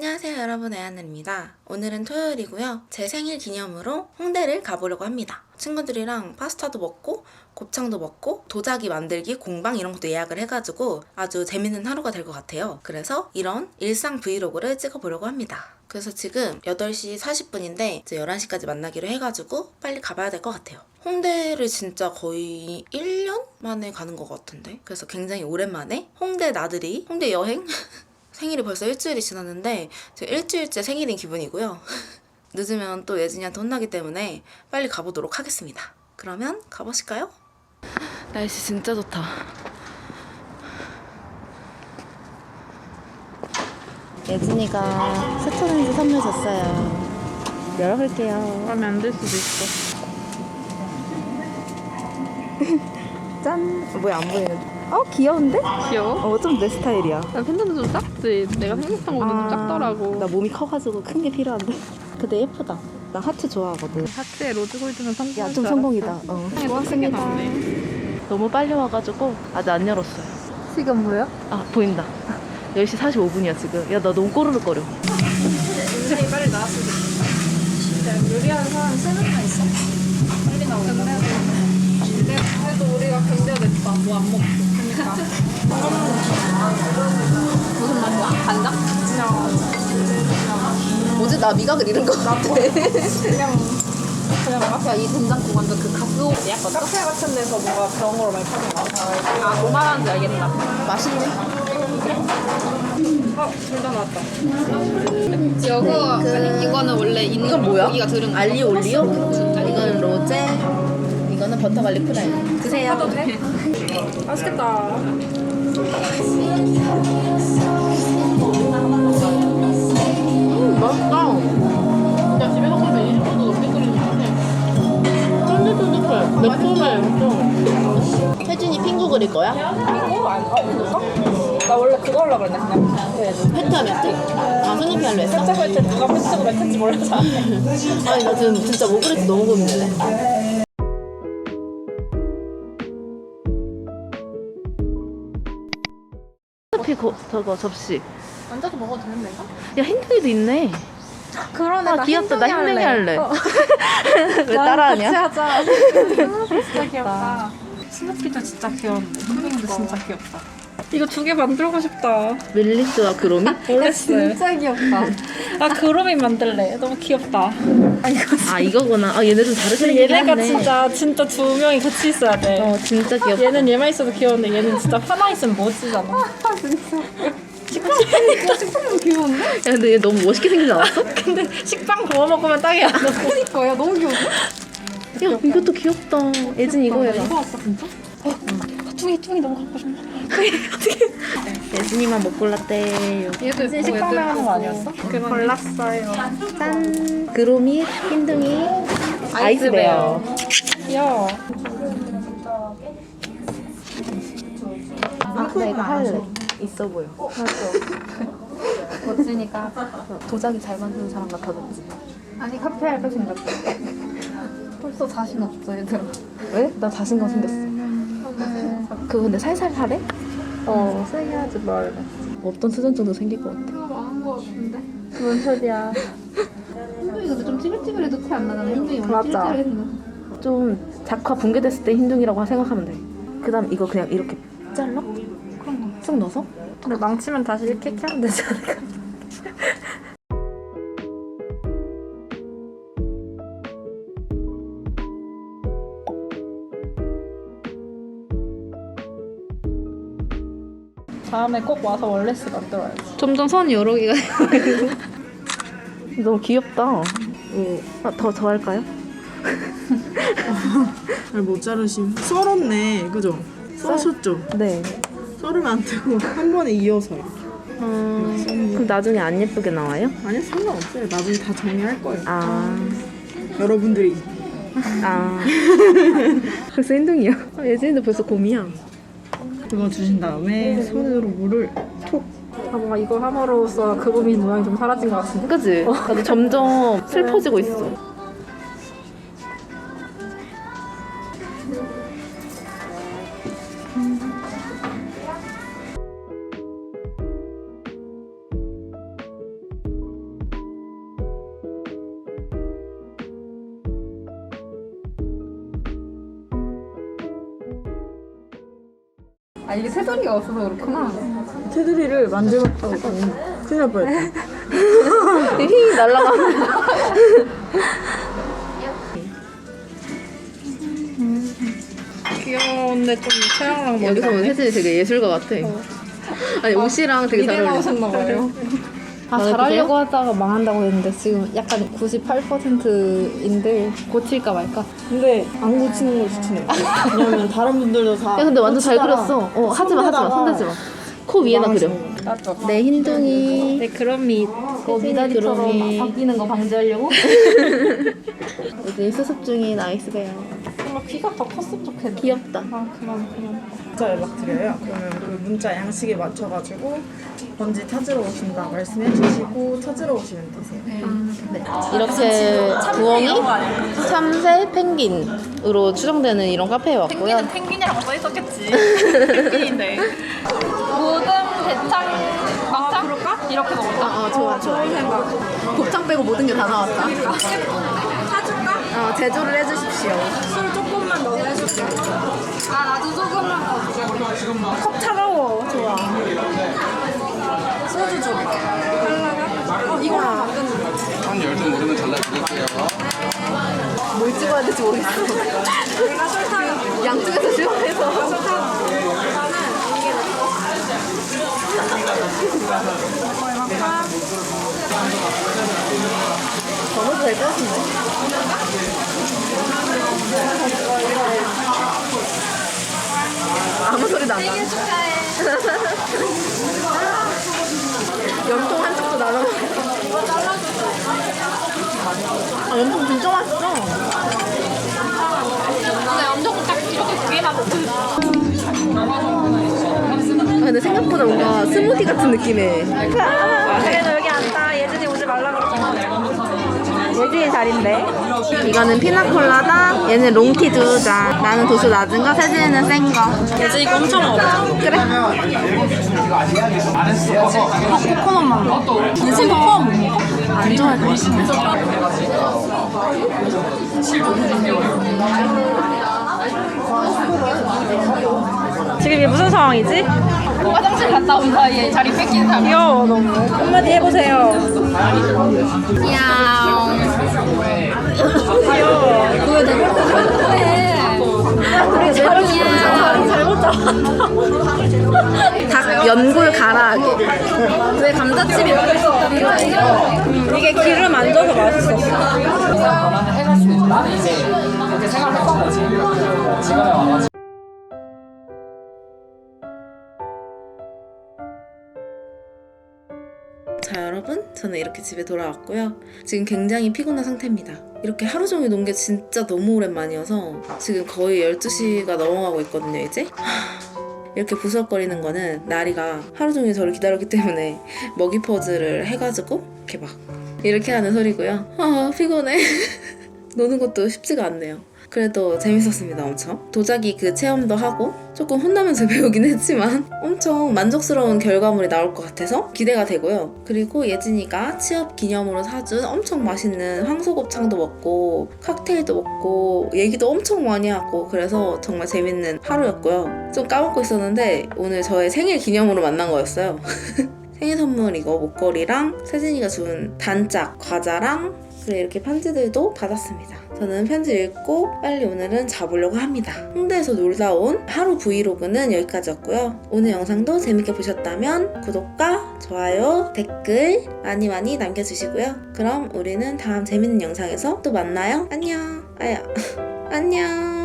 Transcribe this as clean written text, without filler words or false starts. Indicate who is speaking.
Speaker 1: 안녕하세요 여러분, 애하늘입니다. 오늘은 토요일이고요. 제 생일 기념으로 홍대를 가보려고 합니다. 친구들이랑 파스타도 먹고 곱창도 먹고 도자기 만들기 공방 이런 것도 예약을 해가지고 아주 재밌는 하루가 될 것 같아요. 그래서 이런 일상 브이로그를 찍어보려고 합니다. 그래서 지금 8시 40분인데 이제 11시까지 만나기로 해가지고 빨리 가봐야 될 것 같아요. 홍대를 진짜 거의 1년 만에 가는 것 같은데, 그래서 굉장히 오랜만에 홍대 나들이, 홍대 여행? 생일이 벌써 일주일이 지났는데 제가 일주일째 생일인 기분이고요. 늦으면 또 예진이한테 혼나기 때문에 빨리 가보도록 하겠습니다. 그러면 가보실까요? 날씨 진짜 좋다. 예진이가 스톤에서 선물 줬어요. 열어볼게요.
Speaker 2: 마음에 안 들 수도 있어.
Speaker 1: 짠! 뭐야, 안 보이는데? 귀여운데?
Speaker 2: 귀여워?
Speaker 1: 좀 내 스타일이야.
Speaker 2: 나 팬더는 좀 작지. 내가 생각한 거는 좀 작더라고.
Speaker 1: 나 몸이 커가지고 큰 게 필요한데. 근데 예쁘다. 나 하트 좋아하거든.
Speaker 2: 하트에 로즈 골드는 성공할
Speaker 1: 야, 좀 성공이다. 고맙습니다. 너무 빨리 와가지고 아직 안 열었어요.
Speaker 2: 지금 뭐야?
Speaker 1: 보인다. 10시 45분이야 지금. 야, 나 너무 꼬르륵거려.
Speaker 2: 굉장히 빨리 나왔으면 좋겠다. 요리하는 사람 3명이나 있어? 빨리 나오겠다. 그래도 우리가 견뎌냈다. 뭐 안 먹고. 그러니까. 무슨 맛이야? 간장?
Speaker 1: 뭐지? 나 미각을 잃은 것 같아.
Speaker 2: 그냥 맛이야. 이 된장국 완전 그 가스오 약간 카페 같은 데서 뭔가 그런 거로 많이 파는 거 같아. 뭐 말하는지 알겠다.
Speaker 1: 맛있네.
Speaker 2: 둘 다 나왔다. 아니 이거는 원래 있는
Speaker 1: 이건 뭐야?
Speaker 2: 고기가 들은 거.
Speaker 1: 알리오 올리오? 이거는 로제. 이거는 버터 갈릭 프라이. 드세요.
Speaker 2: 사도 돼? 맛있겠다.
Speaker 1: 맛있다.
Speaker 2: 야 집에서 끓이면 20분도 넘게 끓이는 거 같아.
Speaker 1: 쫀득쫀득해. 매콤해 엄청. 혜진이 핑구 그릴 거야?
Speaker 2: 이거 안 그럴까? 나 원래 그거 하려고 그랬네 그냥.
Speaker 1: 페트하면 트? 스누피 할래 했어?
Speaker 2: 살짝 할 때 누가 패스고 맺혔지 몰라서 안 해.
Speaker 1: 아니 나 지금 진짜 뭐 그릴지 너무 고민돼. 스누피 저거 접시.
Speaker 2: 앉아서 먹어도 되는데 이거?
Speaker 1: 야, 흰둥이도 있네.
Speaker 2: 그러네.
Speaker 1: 귀엽다. 나 흰둥이 할래. 왜
Speaker 2: 같이
Speaker 1: 따라하냐?
Speaker 2: 하자. 스누피 진짜 귀엽다. 스누피도 진짜 귀여운데 흰둥이도 진짜 귀엽다. 이거 2개 만들고 싶다.
Speaker 1: 멜리스와 그로미?
Speaker 2: 진짜 귀엽다. 나 그로미 만들래. 너무 귀엽다.
Speaker 1: 이거구나. 얘네 좀 다르게 생긴
Speaker 2: 얘네가
Speaker 1: 하네.
Speaker 2: 진짜 2명이 같이 있어야 돼.
Speaker 1: 진짜 귀엽다.
Speaker 2: 얘는 얘만 있어도 귀여운데 얘는 진짜 하나 있으면 멋지잖아. 식빵 귀여운데?
Speaker 1: 야, 근데 얘 너무 멋있게 생기지 않았어?
Speaker 2: 근데 식빵 구워 먹으면 딱이야. 그니까 야 너무 귀여운데?
Speaker 1: 야, 이것도 귀엽다. 예진 이거 해라.
Speaker 2: 이거 왔어 진짜? 뚱이 너무 갖고 싶어.
Speaker 1: 예진이만 못 골랐대요.
Speaker 2: 얘도 식빵 나가는 거 아니었어? 골랐어요.
Speaker 1: 짠. 그로미, 흰둥이, 아이스베어.
Speaker 2: 귀여워.
Speaker 1: 나 이거 할래. 있어 보여.
Speaker 2: 멋지니까.
Speaker 1: 도자기 잘 만드는 사람 같아졌지.
Speaker 2: 아니 카페 할 거 생겼어. 벌써 자신 없어 얘들아.
Speaker 1: 왜? 나 자신감 생겼어. 그거 근데 살살 하래?
Speaker 2: 세게 하지 말래.
Speaker 1: 어떤 수전증도 생길 것 같아.
Speaker 2: 이거 많은 거 같은데? 뭔 소리야. 흰둥이 근데 좀 찌글찌글해도 티 안 나잖아. 흰둥이 원래 찌글찌글해 생겼어.
Speaker 1: 좀 작화 붕괴됐을 때 흰둥이라고 생각하면 돼. 그 다음 이거 그냥 이렇게 잘라?
Speaker 2: 그런 거.
Speaker 1: 쑥 넣어서?
Speaker 2: 근데 망치면 다시 이렇게 하면 되지 않을까? 다음에 꼭 와서 월레스 만들어야지.
Speaker 1: 점점 선이 여러 개가 너무 귀엽다. 더 할까요?
Speaker 3: 못 자르심. 썰었네, 그죠? 써셨죠?
Speaker 1: 네.
Speaker 3: 썰으면 안 되고 한 번에 이어서요.
Speaker 1: 그럼 나중에 안 예쁘게 나와요?
Speaker 3: 아니요, 상관없어요. 나중에 다 정리할 거예요. 여러분들이.
Speaker 1: 벌써 흰둥이야. 예진이도 벌써 곰이야.
Speaker 3: 그거 주신 다음에 손으로 물을 톡.
Speaker 2: 뭔가 이거 함으로써 그루미 모양이 좀 사라진 것 같은데?
Speaker 1: 그치? 나도 점점 슬퍼지고 있어.
Speaker 2: 아 이게 새소리가 없어서 그렇구나.
Speaker 3: 테두리를 만들었다고 큰일 날 뻔했다.
Speaker 2: 휘 날라가는. 귀여운데 좀 체형랑 멀리
Speaker 1: 여기서 보면
Speaker 2: 가네.
Speaker 1: 세진이 되게 예술가 같아. 아니 옷이랑 되게 잘
Speaker 2: 미대
Speaker 1: 어울려.
Speaker 2: 나오셨나봐요. 아 잘하려고 하다가 망한다고 했는데 지금 약간 98%인데 고칠까 말까.
Speaker 3: 근데 안 고치는 걸 추천해. 왜냐면 다른 분들도 다.
Speaker 1: 야 근데 완전 잘
Speaker 3: 고치다가
Speaker 1: 그렸어. 하지마 하지마
Speaker 3: 손대다가
Speaker 1: 손대지 마. 코 위에다 그려.
Speaker 2: 나도.
Speaker 1: 내 흰둥이.
Speaker 2: 네 그런 밑.
Speaker 1: 미다리처럼
Speaker 2: 바뀌는 거 방지하려고.
Speaker 1: 요즘 수습 중인 아이스베어.
Speaker 2: 정말 귀가 더 컸으면 좋겠네.
Speaker 1: 귀엽다.
Speaker 2: 아 그만.
Speaker 3: 문자 연락드려요. 그러면 그 문자 양식에 맞춰가지고 번지 찾으러 오신다 말씀해 주시고 찾으러 오시면 되세요.
Speaker 1: 네. 이렇게 부엉이, 참새, 펭귄으로 추정되는 이런 카페에 왔고요.
Speaker 2: 펭귄이라고 써 있었겠지. 펭귄인데. 모든 대창 막창 그럴까? 이렇게 먹을까?
Speaker 1: 좋아.
Speaker 2: 좋은 생각.
Speaker 1: 곱창 빼고 모든 게 다 나왔다.
Speaker 2: 사줄까?
Speaker 1: 제조를 해주십시오.
Speaker 2: 술 조금만 더 해줄게. 아 나도 조금만 더. 컵 차가워. 좋아. 소주 줘. 할라가? 이거랑 만드는 거.
Speaker 4: 한 10점 모르면 잘라드릴게요.
Speaker 1: 뭘 찍어야 될지 모르겠어.
Speaker 2: 내가 설탕.
Speaker 1: 양쪽에서 시원해서.
Speaker 2: 설탕. 나는 이게
Speaker 1: 먹어도 될 것 같은데. 아무 소리도 안 나.
Speaker 2: 생일 축하해.
Speaker 1: 염통 한쪽도 나눠. 염통 진짜 맛있어.
Speaker 2: 근데 엄청 딱 이렇게 두 개만 먹고 있어.
Speaker 1: 근데 생각보다 뭔가 스무디 같은 느낌의.
Speaker 2: 그래도 여기 앉다. 예진이 오지 말라 그랬잖아. 예진이 자리인데.
Speaker 1: 이거는 피나콜라다. 얘는 롱티 두 잔. 나는 도수 낮은 거, 세진이는 센 거.
Speaker 2: 예진이 거 엄청 먹었어.
Speaker 1: 그래.
Speaker 2: 코코넛 맛. 예진이 코코넛 못 먹어? 안 좋아할 것 같아. 지금 이게 무슨 상황이지? 화장실 갔다 온 사이에 자리 뺏긴 사람. 귀여워 너무. 한마디 해보세요. 귀여워. 그거 내가 그래. 잘못 잡았다.
Speaker 1: 닭 연골 가라하게.
Speaker 2: 왜 감자칩이 먹을 수 없다는 거야? 이게 기름 안 져서 맛있었어.
Speaker 1: 자 여러분, 저는 이렇게 집에 돌아왔고요. 지금 굉장히 피곤한 상태입니다. 이렇게 하루 종일 논 게 진짜 너무 오랜만이어서 지금 거의 12시가 넘어가고 있거든요 이제. 이렇게 부스럭거리는 거는 나리가 하루 종일 저를 기다렸기 때문에 먹이 퍼즐을 해가지고 이렇게 막 이렇게 하는 소리고요. 피곤해. 노는 것도 쉽지가 않네요. 그래도 재밌었습니다. 엄청 도자기 그 체험도 하고 조금 혼나면서 배우긴 했지만 엄청 만족스러운 결과물이 나올 것 같아서 기대가 되고요. 그리고 예진이가 취업 기념으로 사준 엄청 맛있는 황소곱창도 먹고 칵테일도 먹고 얘기도 엄청 많이 하고 그래서 정말 재밌는 하루였고요. 좀 까먹고 있었는데 오늘 저의 생일 기념으로 만난 거였어요. 생일 선물 이거 목걸이랑 세진이가 준 단짝 과자랑 그래 이렇게 편지들도 받았습니다. 저는 편지 읽고 빨리 오늘은 자보려고 합니다. 홍대에서 놀다 온 하루 브이로그는 여기까지였고요. 오늘 영상도 재밌게 보셨다면 구독과 좋아요, 댓글 많이 많이 남겨주시고요. 그럼 우리는 다음 재밌는 영상에서 또 만나요. 안녕. 안녕.